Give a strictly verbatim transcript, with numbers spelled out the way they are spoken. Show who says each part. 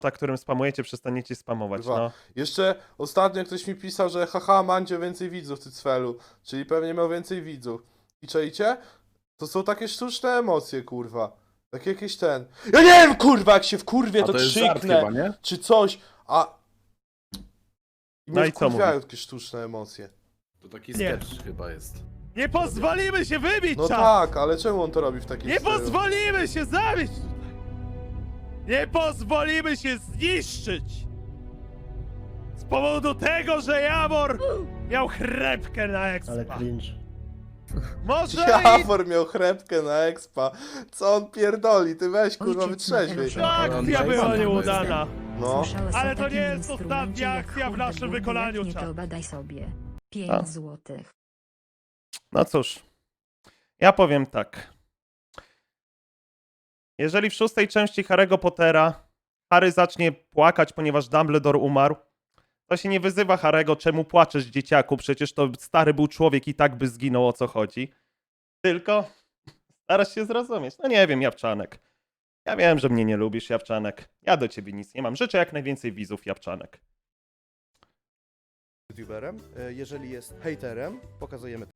Speaker 1: za którym spamujecie, przestaniecie spamować,
Speaker 2: Dwa.
Speaker 1: no.
Speaker 2: Jeszcze ostatnio ktoś mi pisał, że haha, Mandzio więcej widzów, ty cfelu. Czyli pewnie miał więcej widzów. I czajcie? To są takie sztuczne emocje, kurwa. Tak jakieś ten... Ja nie wiem, kurwa, jak się wkurwię,
Speaker 3: A
Speaker 2: to,
Speaker 3: to jest żart
Speaker 2: krzyknę.
Speaker 3: chyba, nie?
Speaker 2: Czy coś, a... I
Speaker 1: No
Speaker 2: mnie
Speaker 1: i co
Speaker 2: wkurwiają
Speaker 1: mówi?
Speaker 2: takie sztuczne emocje.
Speaker 3: To taki
Speaker 4: Nie.
Speaker 3: sketch chyba jest.
Speaker 4: Nie pozwolimy się wybić,
Speaker 2: No
Speaker 4: czat!
Speaker 2: tak, ale czemu on to robi w takim
Speaker 4: Nie
Speaker 2: stylu?
Speaker 4: pozwolimy się zabić! Nie pozwolimy się zniszczyć! Z powodu tego, że Jawor miał chrepkę na
Speaker 5: Ale
Speaker 4: expa.
Speaker 5: cringe.
Speaker 4: Może i...
Speaker 2: Jawor miał chrepkę na expa. Co on pierdoli? Ty weź, kurwa,
Speaker 6: Ojciec
Speaker 2: wytrzeźwiej.
Speaker 6: Mateusza.
Speaker 4: Ta akcja była nieudana.
Speaker 2: No.
Speaker 6: Słyszałeś
Speaker 4: Ale
Speaker 6: o
Speaker 4: to nie
Speaker 6: takim
Speaker 4: jest
Speaker 6: instrumencie
Speaker 4: ostatnia
Speaker 6: jak
Speaker 4: akcja w
Speaker 6: hurde
Speaker 4: naszym
Speaker 6: burdy?
Speaker 4: wykonaniu,
Speaker 6: Jak nie,
Speaker 4: czat.
Speaker 6: to badaj sobie.
Speaker 1: A.
Speaker 6: pięć złotych.
Speaker 1: No cóż, ja powiem tak. Jeżeli w szóstej części Harry'ego Pottera Harry zacznie płakać, ponieważ Dumbledore umarł, to się nie wyzywa Harry'ego, czemu płaczesz, dzieciaku, przecież to stary był człowiek i tak by zginął, o co chodzi. Tylko starasz się zrozumieć. No nie wiem, Japczanek. Ja wiem, że mnie nie lubisz, Japczanek. Ja do ciebie nic nie mam. Życzę jak najwięcej widzów, Japczanek.
Speaker 7: youtuberem. E, Jeżeli jest hejterem, pokazujemy